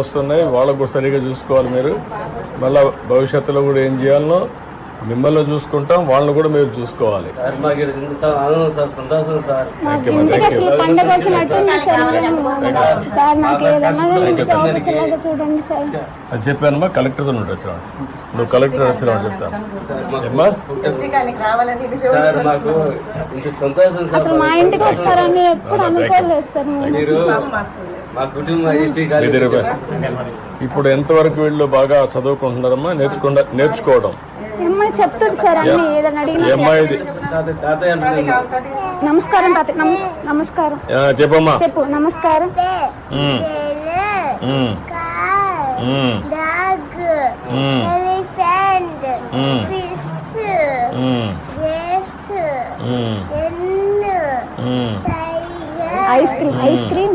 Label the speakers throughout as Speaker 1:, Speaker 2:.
Speaker 1: వస్తున్నాయి, వాళ్ళకు కూడా సరిగ్గా చూసుకోవాలి మీరు. మళ్ళీ భవిష్యత్తులో కూడా ఏం చేయాలనో మిమ్మల్ని చూసుకుంటాం, వాళ్ళని కూడా మీరు చూసుకోవాలి. అది చెప్పానమ్మా, కలెక్టర్తో నువ్వు వచ్చినా, నువ్వు కలెక్టర్ వచ్చినా చెప్తాను. ఏమ్మా ఇప్పుడు ఎంతవరకు వీళ్ళు బాగా చదువుకుంటున్నారమ్మా? నేర్చుకోవడం
Speaker 2: చెప్తుంది సార్ అన్ని. ఏదైనా నమస్కారం నమస్కారం
Speaker 1: చెప్పమ్మా.
Speaker 2: చెప్పు. నమస్కారం. Ice cream. Ice cream.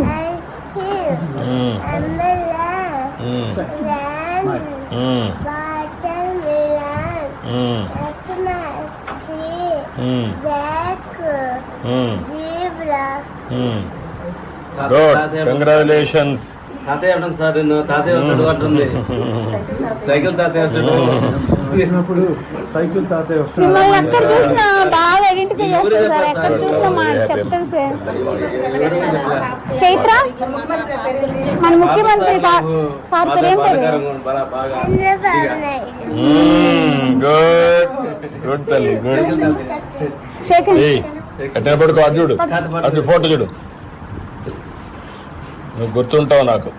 Speaker 1: Good, congratulations.
Speaker 3: తాతయ్య అంటుంది సార్, నిన్ను తాతయ్య వస్తాడు అంటుంది. సైకిల్ తాతయ్య వస్తాడు.
Speaker 2: సైకిల్ తాతయ్య వస్తాడు. ఎక్కడ చూసినా బాగా ఐడెంటిఫై చేస్తారు సార్. ఎక్కడ చూసినా మాట చెప్తాను సార్. చైత్ర మన ముఖ్యమంత్రి సార్ పేరు ఏం పేరు?
Speaker 1: గుడ్ గుడ్ తల్లి, గుడ్. ఎట్లా పడుకో, అటు చూడు, అటు ఫోటో చూడు, నువ్వు గుర్తుంటావు నాకు.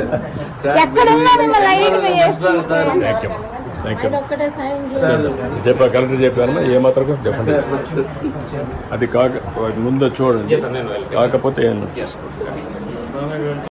Speaker 1: చెప్పా, కలెక్టర్ చెప్పాను ఏమాత్రం చెప్పండి. అది కాక ముందు చూడండి, కాకపోతే ఏం చేసుకోండి.